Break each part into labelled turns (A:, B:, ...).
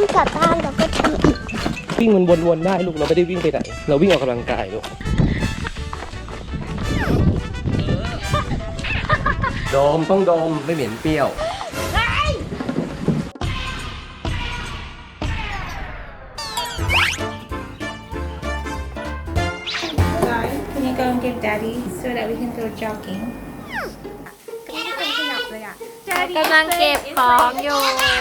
A: ำกลับบ้านเราก็ทำอีก
B: วิ่งมันวนๆได้ลูกเราไม่ได้วิ่งไปไหนเราวิ่งออกกำลังกายลูกดมต้องดมไม่เหม็นเปรี้ยว
C: Can you go and give Daddy so that we can go jogging?
D: กำลังเก็บของอยู่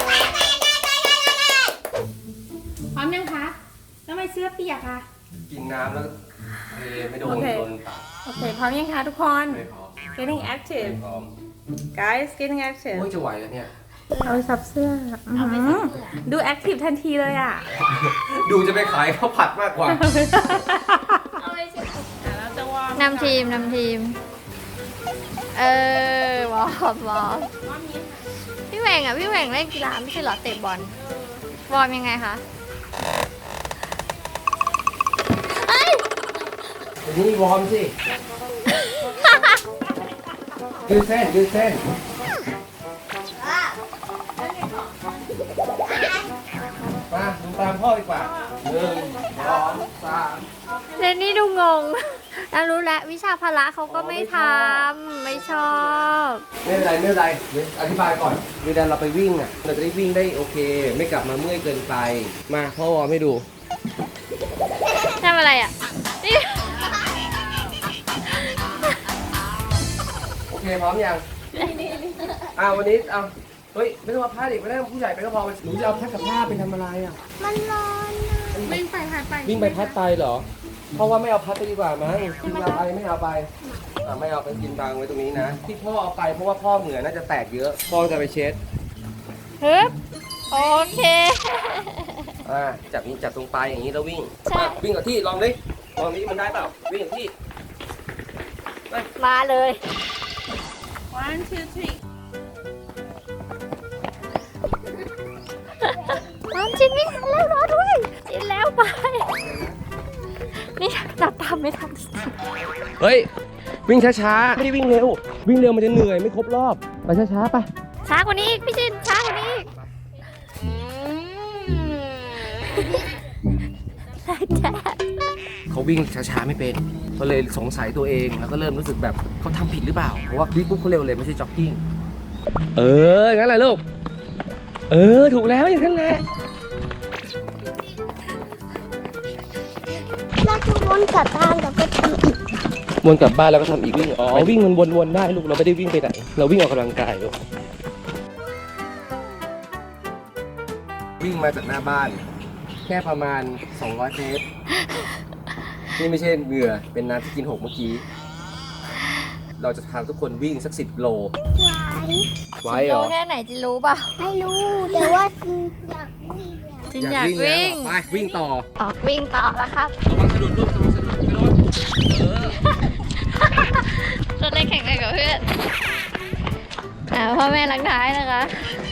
C: พร้อมยังคะทำไมเสื้อเปียกอะ
B: กินน้ำแล้วไม่โดนปาก
C: โอเค พร้อมยังคะทุกคน
B: ไม่พร้อม
C: Getting
B: ไม่
C: active
B: พร้อม
C: guys getting active
B: โอ้ยจะไหวแล้วเนี่ย
C: เอาไปซับเสื้อดู active ทันทีเลยอะ
B: ดูจะไปขายข้าวผัดมากกว่า
C: เราจะวอร์ม
D: นำทีม วอร์มพี่แหว่งอ่ะ พี่แหว่งเล่นกีฬาไม่ใช่เหรอเตะบอล วอร์มยังไงคะ
B: นี่วอร์มสิ ยืดเส้นมาดูตามพ่อดีกว่า1 2 3
D: เรนนี่ดูงงแล้วรู้แล้ววิชาพละเขาก็ไม่ทำไม่ชอบ
B: ไม่เป็นไรเดี๋ยวอธิบายก่อนเวลาเราไปวิ่งอ่ะเราจะได้วิ่งได้โอเค ไม่กลับมาเมื่อยเกินไปมาพ่อวอร์มให้ดู
D: ทำอะไรอ่ะนี่
B: โอเคพร้อมยังวันนี้เฮ้ยไม่ต้องเอาผ้าเด็กไม่ได้ผู้ใหญ่ไปก็พอหนูจะเอาผ้ากับผ้าไปทำอะไรอ่ะ
A: มันร้อนนะ
C: วิ่งไปพัดไป
B: วิ่งไปพัดไปเหรอเพราะว่าไม่เอาพัดไปดีกว่ามั้งกินเอาไปไม่เอาไปไม่เอาไปกินบางไว้ตรงนี้นะที่พ่อเอาไปเพราะว่าพ่อเหงื่อน่าจะแตกเยอะพ่อจะไปเช็ด
D: ฮึบโอเค
B: จับตรงปลายอย่างนี้แล้ววิ่ง
D: ใช่
B: วิ่งกับที่ลองดิลองนี้มันได้เปล่าวิ่งกับที่
D: มาเลย
C: 1 2 3
D: น้ำจินไม่ทันแล้วรอด้วยจินแล้วไปนี่จับตามไม่ทัน
B: เฮ้ยวิ่งช้าๆไม่ได้วิ่งเร็ววิ่งเร็วมันจะเหนื่อยไม่ครบรอบไปช้าๆไป
D: ช้ากว่านี้อีกพี่จินช้ากว่านี้อีกแจ๊
B: เขาวิ่งช้าๆไม่เป็นก็เลยสงสัยตัวเองแล้วก็เริ่มรู้สึกแบบเขาทำผิดหรือเปล่าเพราะว่าวิ่งปุ๊บเขาเร็วเลยไม่ใช่จ็อกกิ้งงั้นแหละลูกถูกแล้วอย่างนั้นแหละ
A: เราจะวนกลับบ้านเราก็ทำอีก
B: วนกลับบ้านแล้วก็ทำอีกวิ่งวิ่งมันวนๆได้ลูกเราไม่ได้วิ่งไปไหนเราวิ่งออกกำลังกายลูกวิ่งมาจากหน้าบ้านแค่ประมาณ200 เมตรนี่ไม่ใช่เหงื่อเป็นน้ำที่กินหกเมื่อกี้เราจะพาทุกคนวิ่งสัก10 โลไหวเหร
D: รู้
B: อ
D: แค่ไหนจินรู้เปล่า
A: ไม่รู้แต่ว่าอยากวิ่ง
D: จินอยากวิ่ง
B: ไปวิ่งต่อ
D: ออกวิ่งต่อแล้วครับ
B: ระวังสะดุดลูกสะดุดกระโดด
D: จะได้แข่งกันกับเพื่อนพ่อแม่ลังท้ายนะคะ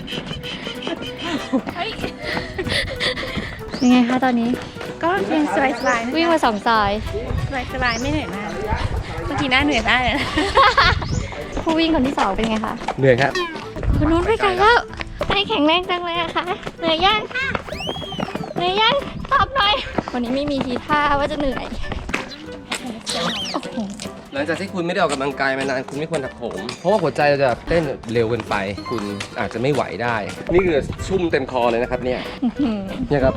D: ยังไงคะตอนนี้
C: ก็ยังสบายๆ
D: วิ่งมา2 ซอย
C: สบายๆไม่เหนื่อยมากเมื่อกี้น่าเหนื่อยได้เลยนะ
D: ผู้วิ่งคนที่ 2 เป็นไงคะ
B: เหนื่อยครับ
D: คนนู้นไปไกลแล้วใจแข็งแรงจังเลยอะคะเหนื่อยยังเหนื่อยยังตอบหน่อยวันนี้ไม่มีทีท่าว่าจะเหนื่อยโอ้โห
B: หลังจากที่คุณไม่ได้ออกกำลังกายมานานคุณไม่ควรถักผมเพราะว่าหัวใจเราจะเต้นเร็วเกินไป คุณอาจจะไม่ไหวได้ นี่คือชุ่มเต็มคอเลยนะครับเนี่ยครับ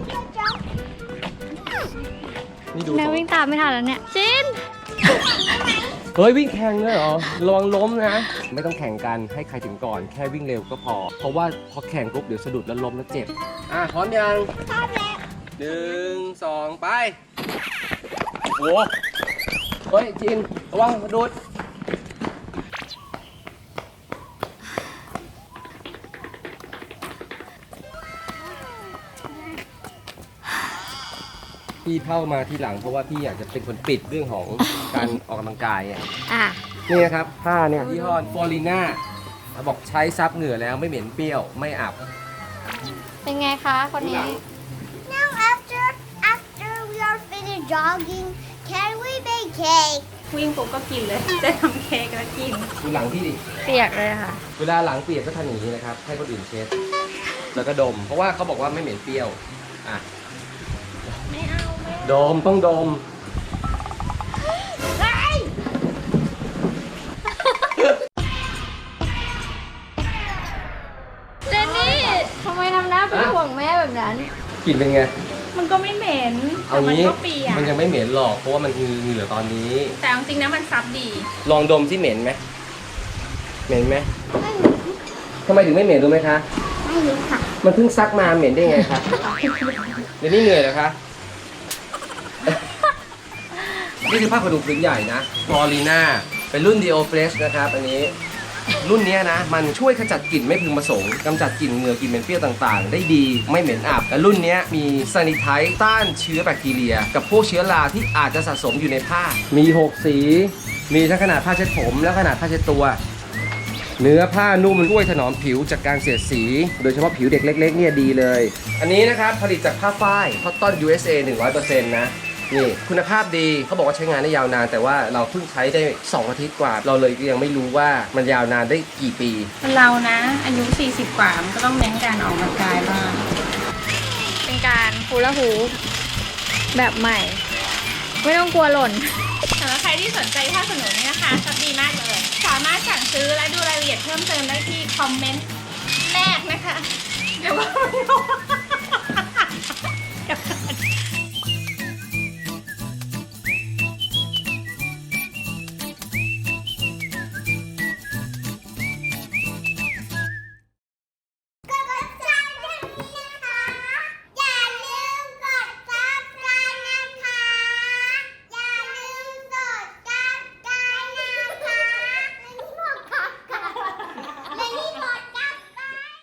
B: นี่ดู
D: แม่วิ่งตามไม่ทันแล้วเนี่ยจิน
B: เฮ้ยวิ่งแข่งเลยเหรอระวังล้มนะไม่ต้องแข่งกันให้ใครถึงก่อนแค่วิ่งเร็วก็พอเพราะว่าพอแข่งปุ๊บเดี๋ยวสะดุดแล้วล้มแล้วเจ็บพร้อมยังพร้อมแล้ว1 2 ไปโอ้เฮ้ยจินระวังสะดุดพี่เข้ามาทีหลังเพราะว่าพี่อยากจะเป็นคนปิดเรื่องของการออกกำลังกายอ่ะ นี่นะครับผ้าเนี่ยยี่ห้อฟอริน่าบอกใช้ซับเหงื่อแล้วไม่เหม็นเปรี้ยวไม่อับ
D: เป็นไงคะคนนี้
A: Now after we are finished jogging can we make cake
C: วิ่งปุ๊บก็กินเลย จะทำเค้กแล้วกิน
B: ดูหลังพี่ดิ
D: เปียกเลยค่ะ
B: เวลาหลังเปียกก็ทำอย่างนี้นะครับ ให้คนอื่นเช็ด แล้วก็ดม เพราะว่าเขาบอกว่าไม่เหม็นเปรี้ยว อ่ะ
C: ไม่เอาไม่
B: ดมต้องดม
D: เจนนี่ทำไมทำหน้าเป็นห่วงแม่แบบนั้น
B: กลิ่นเป็นไง
C: มันก็ไม่เหม็น
B: เอา
C: แต่มัน
B: งี้
C: ก็เปียก
B: มันยังไม่เหม็นหรอก เพราะว่ามันเหงื่อตอนนี้
C: แต่จริงๆนะมันซับดี
B: ลองดมที่เหม็นไหม เหม็นไหมทำไมถึงไม่เหม็นรู้ไหมคะ
A: ไม่รู้ค่ะ
B: มันเพิ่งซักมาเหม็นได้ไงคะ เดี๋ยวนี้เหนื่อยเหรอคะ นี่คือผ้าขนหนูผืนใหญ่นะฟลอรีนาเป็นรุ่น Dio Fresh นะครับ อันนี้ รุ่นเนี้ยนะ มันช่วยขจัดกลิ่นไม่พึงประสงค์กำจัดกลิ่นเหงื่อกลิ่นเหม็นเปรี้ยวต่างๆ ได้ดีไม่เหม็นอับ และรุ่นเนี้ยมีซานิไทต์ต้านเชื้อแบคทีเรีย กับพวกเชื้อราที่อาจจะสะสมอยู่ในผ้า มี 6 สี มีทั้งขนาดผ้าเช็ดผมและขนาดผ้าเช็ดตัว เนื้อผ้านุ่มช่วยถนอมผิวจากการเสียดสี โดยเฉพาะผิวเด็กเล็กๆเนี่ยดีเลย อันนี้นะครับผลิตจากผ้าฝ้ายคอตตอน USA 100% นะ นี่คุณภาพดีเขาบอกว่าใช้งานได้ยาวนาน แต่ว่าเราเพิ่งใช้ได้ 2 อาทิตย์กว่า เราเลยยังไม่รู้ว่ามันยาวนานได้กี่ปี
C: เรานะ อายุ 40 กว่า มันก็ต้องเน้นการออกกำลังกายบ้าง
D: เป็นการฮูลาฮูปแบบใหม่ ไม่ต้องกลัวหล่น
C: สำหรับใครที่สนใจผ้าขนหนูนี่นะคะซับดีมากเลย สามารถสั่งซื้อและดูรายละเอียดเพิ่มเติมได้ที่คอมเมนต์แรกนะคะ เดี๋ยวว่าไม่รู้